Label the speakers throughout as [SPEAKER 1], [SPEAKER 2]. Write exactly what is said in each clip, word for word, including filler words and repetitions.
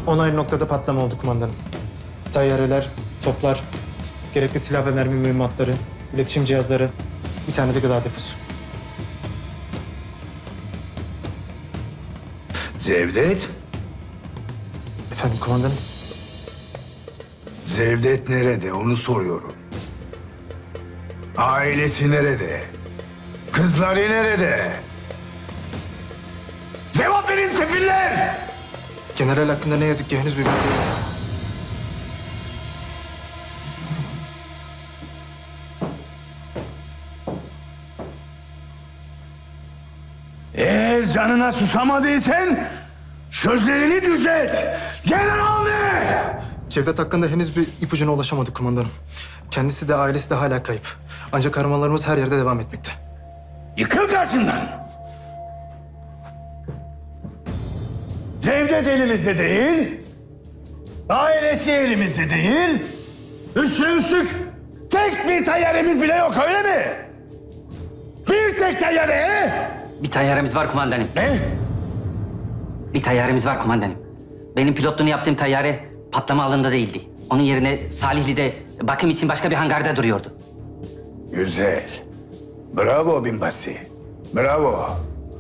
[SPEAKER 1] On ayrı noktada patlama oldu kumandanım. Tayyareler, toplar, gerekli silah ve mermi mühimmatları, iletişim cihazları, bir tane de gıda deposu.
[SPEAKER 2] Cevdet?
[SPEAKER 1] Efendim kumandanım?
[SPEAKER 2] Cevdet nerede onu soruyorum. Ailesi nerede? Kızları nerede? Cevap verin sefiller!
[SPEAKER 1] General hakkında ne yazık ki henüz bir bilgi yok.
[SPEAKER 2] Eğer canına susamadıysan sözlerini düzelt. General ne?
[SPEAKER 1] Cevdet hakkında henüz bir ipucuna ulaşamadık kumandanım. Kendisi de ailesi de hala kayıp. Ancak aramalarımız her yerde devam etmekte.
[SPEAKER 2] Yıkıl karşımdan. Cevdet elimizde değil. Ailesi elimizde değil. Üstüne üstlük tek bir tayyaremiz bile yok öyle mi? Bir tek tayyare he?
[SPEAKER 3] Bir tayyaremiz var kumandanım.
[SPEAKER 2] Ne?
[SPEAKER 3] Bir tayyaremiz var kumandanım. Benim pilotluğunu yaptığım tayyare patlama alanında değildi. Onun yerine Salihli'de bakım için başka bir hangarda duruyordu.
[SPEAKER 2] Güzel. Bravo binbaşı. Bravo.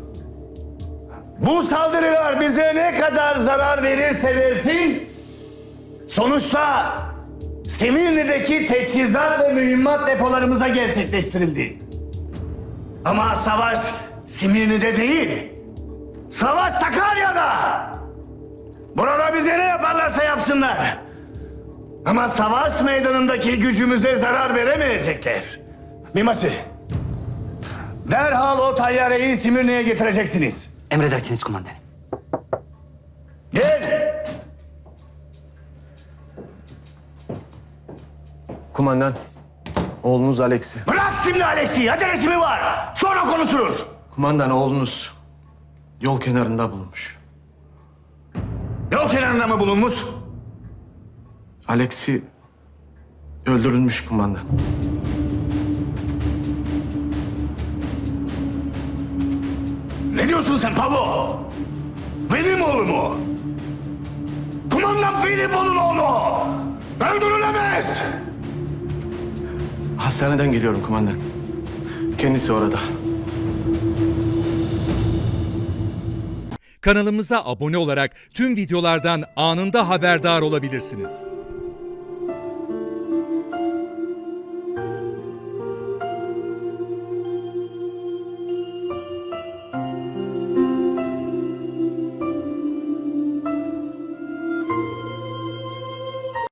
[SPEAKER 2] Bu saldırılar bize ne kadar zarar verirse versin, sonuçta Simirli'deki teçhizat ve mühimmat depolarımıza gerçekleştirildi. Ama savaş Simirli'de değil, savaş Sakarya'da. Burada bize ne yaparlarsa yapsınlar. Ama savaş meydanındaki gücümüze zarar veremeyecekler. Binbaşı, derhal o tayyareyi Simirli'ye getireceksiniz.
[SPEAKER 3] Emredersiniz kumandanım.
[SPEAKER 2] Gel.
[SPEAKER 4] Kumandan, oğlunuz Alex'i.
[SPEAKER 2] Bırak şimdi Alex'i, acelesi mi var? Sonra konuşuruz.
[SPEAKER 4] Kumandan, oğlunuz yol kenarında bulunmuş.
[SPEAKER 2] Yol kenarında mı bulunmuş?
[SPEAKER 4] Alex'i öldürülmüş kumandan.
[SPEAKER 2] Ne diyorsun sen Pablo? Benim oğlum o. Kumandan Filipo'nun oğlu. Öldürülemez.
[SPEAKER 4] Hastaneden geliyorum kumandan. Kendisi orada.
[SPEAKER 5] Kanalımıza abone olarak tüm videolardan anında haberdar olabilirsiniz.